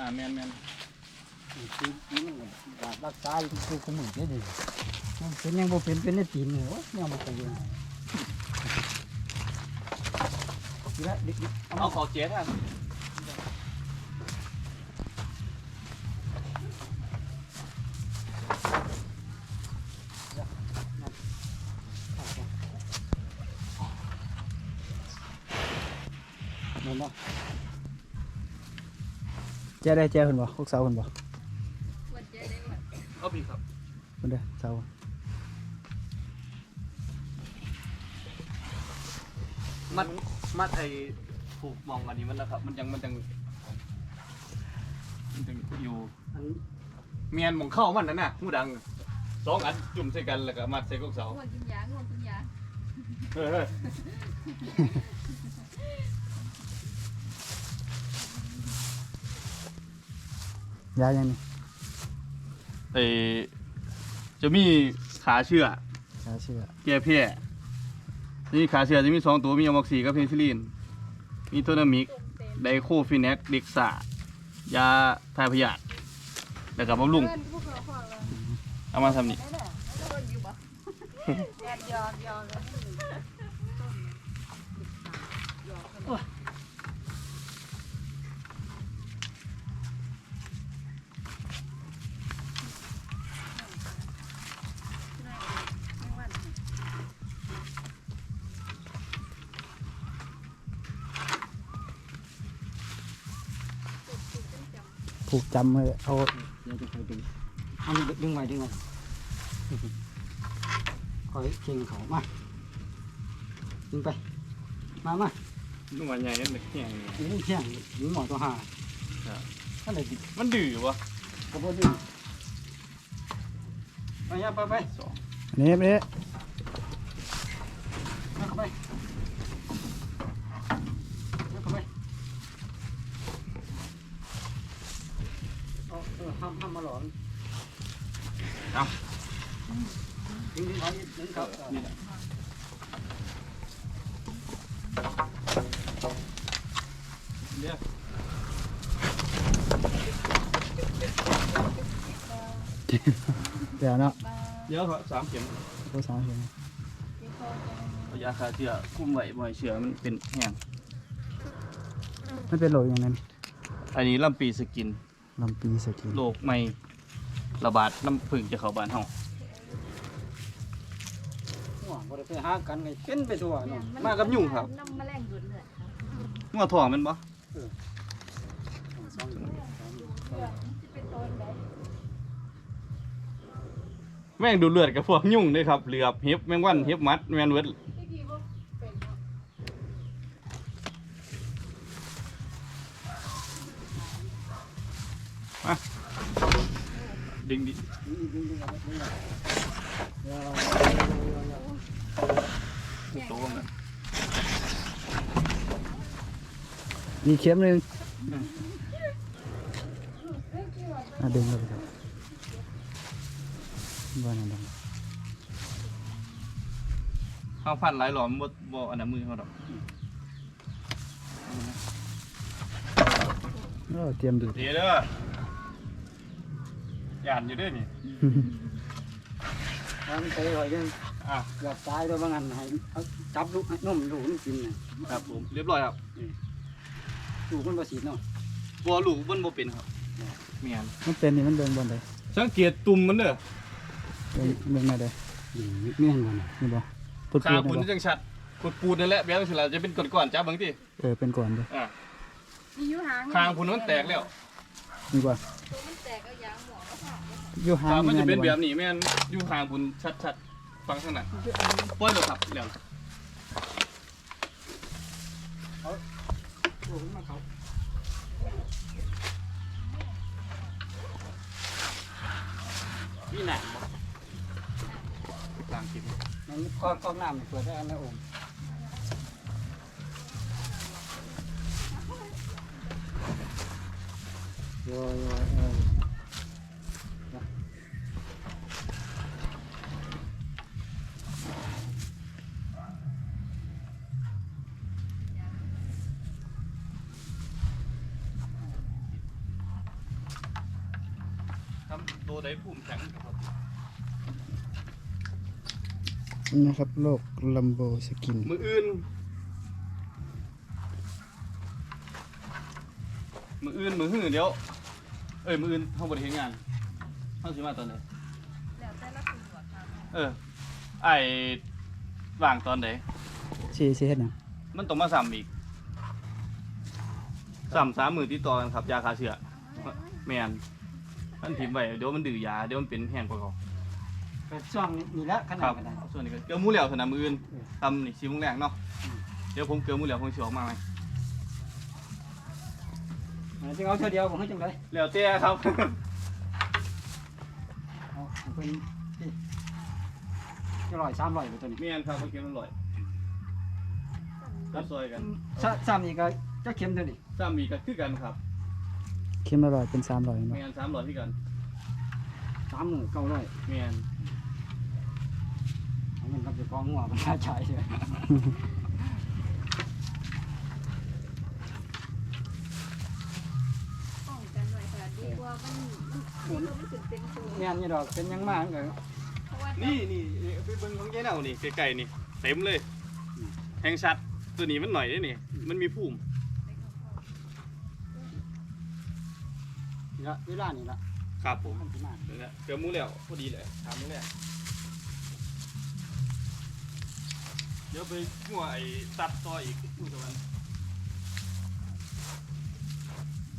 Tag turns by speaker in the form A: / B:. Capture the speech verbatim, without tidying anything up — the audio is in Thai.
A: แมนแมน
B: คือนี่มันรักษาคือขมือได้ดิเป็นยังบ่เป็นเป็นในตีนเลยโอ้เนี่ยมันไปยัง
A: เอาขอเจ๊ท่าน
B: เจ้าได้เจ้าคนบ่พวกสาวคนบ่
A: เอาพี่ครับ
B: คนเด้อสาว
A: มัดมัดไอ้ผูกมองอันนี้มันนะครับมันยังมันยังมันยังอยู่เมียนมองเข้ามันนั่นน่ะหูดังสองอันจุ่มใส่กันแล้วก็มัดใส่กุ๊กเสา
C: ง่วงกินยาง่วงกินยา
A: เฮ้ย
B: ยายังนี่
A: ไอ้จะมีขาเชื่อ
B: ขาเชื่อ
A: แก้แพ้นี่ขาเชื่อจะมีสองตัวมีอะม็อกซี่กับเพนิซิลลินมีโทนามิกไดโคฟินแนกเด็กซ่ายาทายพยาธิแล้วก็บำรุงเอามาทำนี่
B: ผูกจำเลยเอาเดี๋ยวจะไปดึงเอาดึงไว้ดึงไว้คอยเข่งเขามาดึงไปมามา
A: นุ่มใหญ่นั่นเด็กแข็ง
B: ดึงแข็งดึงหมอตัวห่าท่านไหน
A: มันดื้อวะ
B: กระโดดดึงไปยับไปไปสองนี่นี่มาเข้าไปมาเข้าไปเออห้ามห้ามมาหลอน
A: เอา
B: ดึงดึงเขาดึงเขานี่แหละ
A: เดี๋ยว
B: เดี๋ยวเนาะ
A: เดี๋ยวครับสามเข็ม
B: ก็สามเข็ม
A: ยาคาเชื้อคุ้มไว้บ่อยเชื้อมันเป็นแห้ง
B: ไม่เป็นโรคอย่างนั้น
A: อันนี้ลำปีสกิน
B: ลำปีสกิน
A: โรคไม่ระบาดน้ำผึ้งจะเข้าบ้านเฮา
B: บ่ได้ไปหากันไงเป็นไปทั่วเนาะ
A: มากับยุ่งครับ
C: น้ำแมลงดูดเลือด
A: งัวถ่วงมันบ่แม่งดูเลือดกับพวกยุ่งด้วยครับเหลือบเห็บแมงวันเห็บมัดแมงเวิร์ดมาดึงดิโตมัน
B: มีเข็มหนึ่งอ่ะดึงเลยครับบ้านนั่นดัง
A: ข้าวพันหลายหลอมบ่บ่อันนั้นมือเขาดอก
B: เออเตรียมดู
A: ดีเด้อหยาดอยู่ด้วยนี่
B: ทำไปหน่อยนึง
A: อ่ะ
B: อยากตายด้วยบางอันให้จับลูกให้นุ่มลูกมันกิน
A: นะครับผมเรียบร้อยครับ
B: ลูกมันบ่สีเนาะ
A: บัวลูกมันบ่เป็นครับเมียน
B: มันเป็นนี่มันเดินบนเลย
A: สังเกตตุ่มมันเด้อ
B: เดินเดินมาเลยเมียนบ่นี่บ่
A: ปูดปูดนี่จังชัดปูดปูดนั่นแหละแบบนั้นจะเป็นก้อนๆจับบางที
B: เออเป็นก้อนด้วย
A: อ่ะคางปูนมันแตกแล้ว
B: นี่บ่
C: มันแตกเอายางหมอแล้วค่ะ
B: อยู่ห่าง
A: มันจะเป็นแบบนี้แม่นอยู่ห่างปูนชัดๆฟังข้างหน้าป้อนเลยครับเดี๋ยว
B: เอาลูกมาเขา
A: พี่หนักกลางคลิป
B: มันก้อนก้อนน้ำเปิดได้อันนี้โอมโย่โย่เออ
A: ทำตัวใดภูมิแข็งครับ
B: นะครับโลกลัมโบสกิน
A: มืออื่น มืออื่นมือหื้อเดี๋ยวเอ้ยมืออื่นเฮาบ่ได้เฮ็ดงานเฮาสิมาตอนไหน
C: แล้วแต่ละคนหัวครับ
A: เออไอ้ว่างตอนไหน
B: สิสิเฮ็ดหยัง
A: มันต้องมาซ้ำอีกซ้ำสามมือติดต่อกันครับยาฆ่าเชื้อแม่นมันถิ่มไว้เดี๋ยวมันดื้อยาเดี๋ยวมันเป็นแห้งกว่าเก่า
B: ก็ช่วงนี้ละข
A: ค
B: นา
A: รั
B: ด
A: บ
B: ก็ได้
A: ส่วนนี้ก็เกลือหมูเหลวสนามมืออื่นทำนี่สี่โมงแรกเนาะเดี๋ยวผมเกลือหมูเหลวผมสิออกมาไหม
B: จะเอาเท่าเดียวบ่ฮู้จังได๋
A: เหลวเตี้ยครับ
B: เอาเพิ่นนี่จะร้อยสามร้อยบ่ตัวนี้
A: เมียนครับเขาเก็บมันลอยก็ซอยกัน
B: ซะซ้ำนี่ก็จะเข็มเท่านี้
A: ซ้ำอีกก็คือกันครับ
B: เข็มละร้อยเป็นสามร้อย
A: เมียนสามร้อยที่กัน
B: สามมื้อเก้าร้อย
A: เมียน
B: เอาเงินกับเจ้าของหัวมันน่าใช้ใช่
C: ป้องกันไว้ค่ะดีกว่ามันมันดีกว่ามันถึงเต็มตัว
B: แม่นอยู่ดอกเป็นหยังมามันก็
C: เพราะว่า
A: นี่นี่ไปเบิ่งของเจ๊เน่านี่ไกลๆนี่เต็มเลยแห้งชัดตัวนี้มันหน่อยได้นี่มันมีภูมิ
B: นี่ละเวลานี่ละ
A: ครับผม
B: มันสิมา
A: นี่แหละเกลือหมูเหลวพอดีเลยถามนี่แหละเดี๋ยวไปหัวไอ้ตัดต่ออีกดูตะวัน